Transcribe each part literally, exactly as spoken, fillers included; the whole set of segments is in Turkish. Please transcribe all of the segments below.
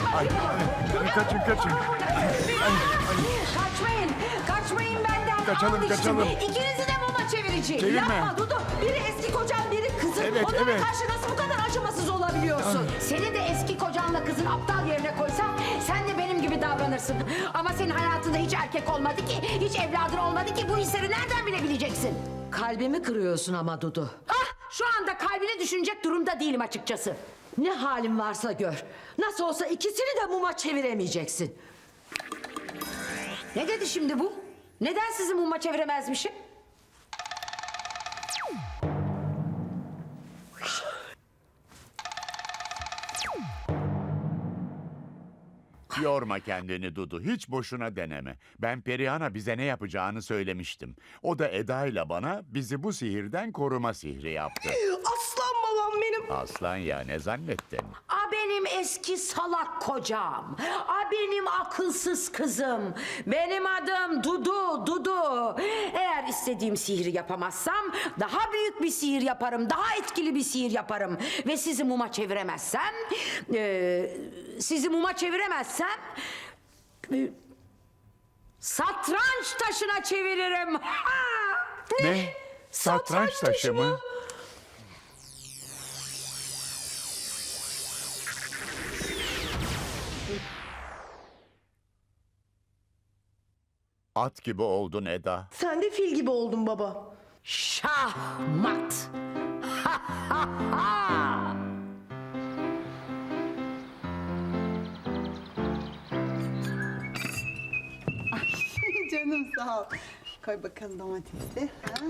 Ay, ay, kaçın kaçın. Kaçmayın. Kaçmayın benden. Kaçalım, Al işte. kaçalım. İkinizi de muma çevireceğim. Çevirme. Yapma Dudu. Biri eski kocan, biri kızın. Evet, Onlara evet. karşı nasıl bu kadar acımasız olabiliyorsun? Seni de eski kocanla kızın aptal yerine koysam sen de benim gibi davranırsın. Ama senin hayatında hiç erkek olmadı ki, hiç evladın olmadı ki bu hisleri nereden bilebileceksin? Kalbimi kırıyorsun ama Dudu. Ah, şu anda kalbini düşünecek durumda değilim açıkçası. Ne halin varsa gör. Nasıl olsa ikisini de muma çeviremeyeceksin. Ne dedi şimdi bu? Neden sizi muma çeviremezmişim? Yorma kendini Dudu, hiç boşuna deneme. Ben Perihan'a bize ne yapacağını söylemiştim. O da Eda ile bana bizi bu sihirden koruma sihri yaptı. Aslan babam benim. Aslan ya, ne zannettin? A benim eski salak kocam. A benim akılsız kızım. Benim adım Dudu, Dudu. Eğer istediğim sihri yapamazsam daha büyük bir sihir yaparım. Daha etkili bir sihir yaparım. Ve sizi muma çeviremezsem... E, sizi muma çeviremezsem... e, satranç taşına çeviririm. Ha! Ne? Satranç taşı mı? At gibi oldun Eda. Sen de fil gibi oldun baba. Şahmat. Ha ha ha. Canım sağ ol. Koy bakalım domatesi. Ha?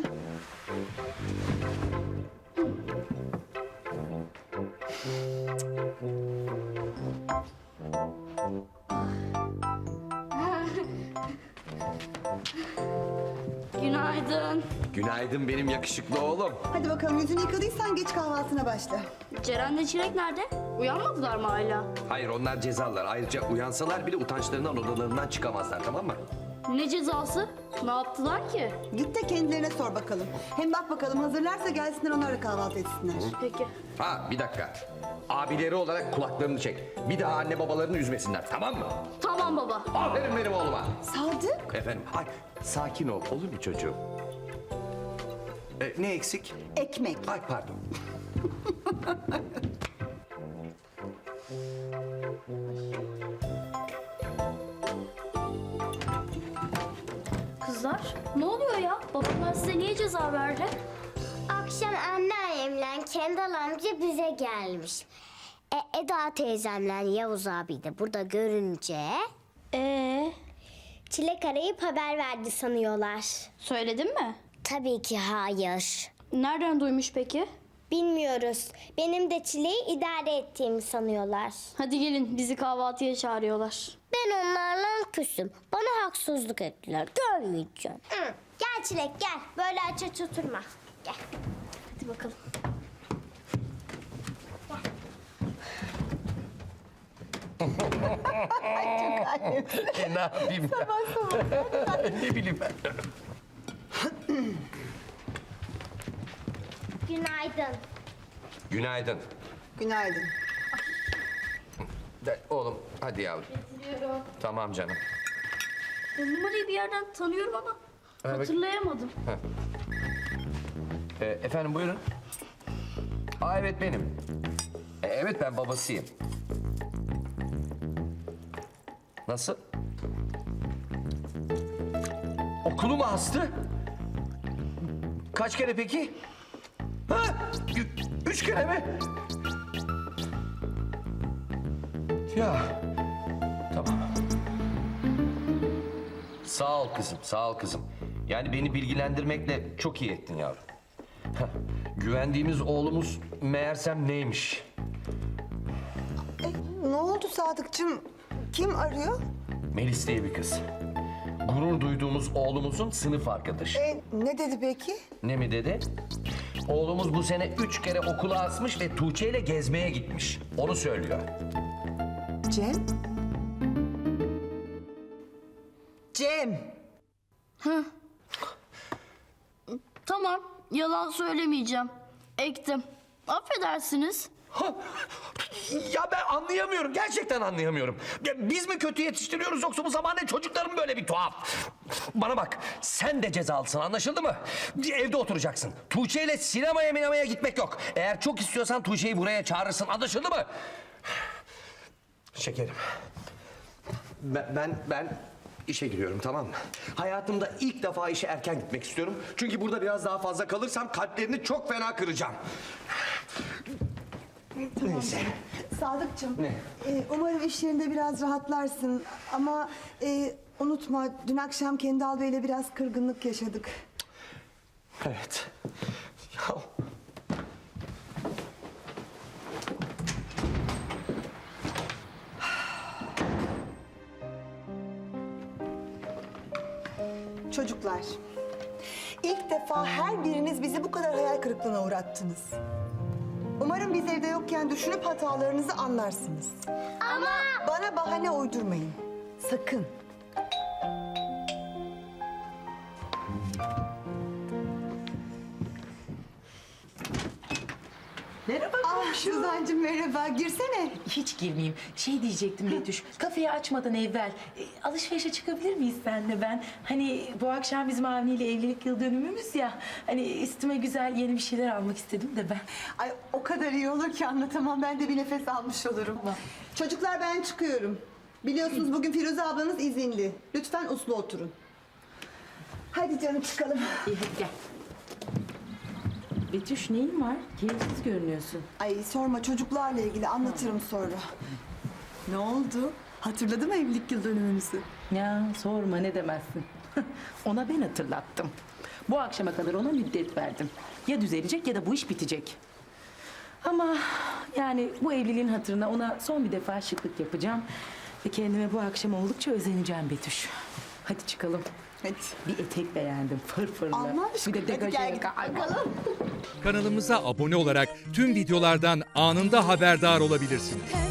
Günaydın. Günaydın benim yakışıklı oğlum. Hadi bakalım yüzünü yıkadıysan geç kahvaltına başla. Ceren'le Çilek nerede? Uyanmadılar mı hala? Hayır, onlar cezalar. Ayrıca uyansalar bile utançlarından odalarından çıkamazlar, tamam mı? Ne cezası? Ne yaptılar ki? Git de kendilerine sor bakalım. Hem bak bakalım hazırlarsa gelsinler onlar da kahvaltı etsinler. Peki. Ha, bir dakika. Abileri olarak kulaklarını çek. Bir daha anne babalarını üzmesinler, tamam mı? Tamam baba. Aferin benim oğluma. Sadık. Efendim, ay sakin ol, olur mu çocuğum? Ee, ne eksik? Ekmek. Ay pardon. Kızlar ne oluyor ya? Babamlar size niye ceza verdi? Akşam anneannemle Kendal amca bize gelmiş. E, Eda teyzemle Yavuz abi de burada görünce... Ee, Çilek arayıp haber verdi sanıyorlar. söyledin mi? Tabii ki hayır. Nereden duymuş peki? Bilmiyoruz. Benim de Çilek'i idare ettiğimi sanıyorlar. Hadi gelin bizi kahvaltıya çağırıyorlar. Ben onlarla küsüm. Bana haksızlık ettiler. Görmeyeceğim. Hı. Gel Çilek gel. Böyle aç aç oturma. Gel. Hadi bakalım. E, ne yapayım ya? Ne bileyim ben. Günaydın. Günaydın. Günaydın. De, oğlum hadi yavrum. Getiriyorum. Tamam canım. Bu numarayı bir yerden tanıyorum ama bak- hatırlayamadım. Ee, efendim buyurun. Aa evet benim. E, evet ben babasıyım. Nasıl? Okulu mu astı? Kaç kere peki? Ha? Ü- Üç kere mi? Ya. Tamam. Sağ ol kızım, sağ ol kızım. Yani beni bilgilendirmekle çok iyi ettin yavrum. Heh, güvendiğimiz oğlumuz meğersem neymiş? Ne oldu Sadıkçım? Kim arıyor? Melis diye bir kız. Gurur duyduğumuz oğlumuzun sınıf arkadaşı. E, ne dedi peki? Ne mi dedi? Oğlumuz bu sene üç kere okula asmış ve Tuğçe ile gezmeye gitmiş. Onu söylüyor. Cem? Cem! Tamam yalan söylemeyeceğim. Ektim. Affedersiniz. Ya ben anlayamıyorum. Gerçekten anlayamıyorum. Ya biz mi kötü yetiştiriyoruz yoksa bu zamane çocukların böyle bir tuhaf? Bana bak, sen de cezalısın, anlaşıldı mı? Evde oturacaksın. Tuğçe ile sinemaya minemaya gitmek yok. Eğer çok istiyorsan Tuğçe'yi buraya çağırırsın, anlaşıldı mı? Şekerim. Ben, ben, ben işe giriyorum, tamam mı? Hayatımda ilk defa işe erken gitmek istiyorum. Çünkü burada biraz daha fazla kalırsam kalplerini çok fena kıracağım. Neyse. Sadıkçım. Ne? e, umarım iş yerinde biraz rahatlarsın. Ama e, unutma dün akşam Kendal Bey'le biraz kırgınlık yaşadık. Evet. Ya. Çocuklar, ilk defa her biriniz bizi bu kadar hayal kırıklığına uğrattınız. Umarım biz evde yokken düşünüp hatalarınızı anlarsınız. Ama Bana bahane uydurmayın. Sakın. Merhaba Ah komşu. Suzancığım merhaba. Girsene. Hiç girmeyeyim. Şey diyecektim Betüş. Kafeyi açmadan evvel e, alışverişe çıkabilir miyiz senle ben? Hani bu akşam bizim Avni ile evlilik yıl dönümümüz ya. Hani üstüme güzel yeni bir şeyler almak istedim de ben. Ay o kadar iyi olur ki anlatamam. Ben de bir nefes almış olurum. Tamam. Çocuklar ben çıkıyorum. Biliyorsunuz bugün Firuze ablanız izinli. Lütfen uslu oturun. Hadi canım çıkalım. İyi hadi gel. Betüş neyin var? Keyifsiz görünüyorsun. Ay sorma çocuklarla ilgili anlatırım sonra. Ne oldu? Hatırladı mı evlilik yıl dönümümüzü? Ya sorma ne demezsin. Ona ben hatırlattım. Bu akşama kadar ona müddet verdim. Ya düzelecek ya da bu iş bitecek. Ama yani bu evliliğin hatırına ona son bir defa şıklık yapacağım. Ve kendime bu akşam oldukça özeneceğim Betüş. Hadi çıkalım. Hadi. Bir etek beğendim fırfırlı. Allah aşkına, Bir de hadi gel degaje. gidip bakalım. Kanalımıza abone olarak tüm videolardan anında haberdar olabilirsiniz. Her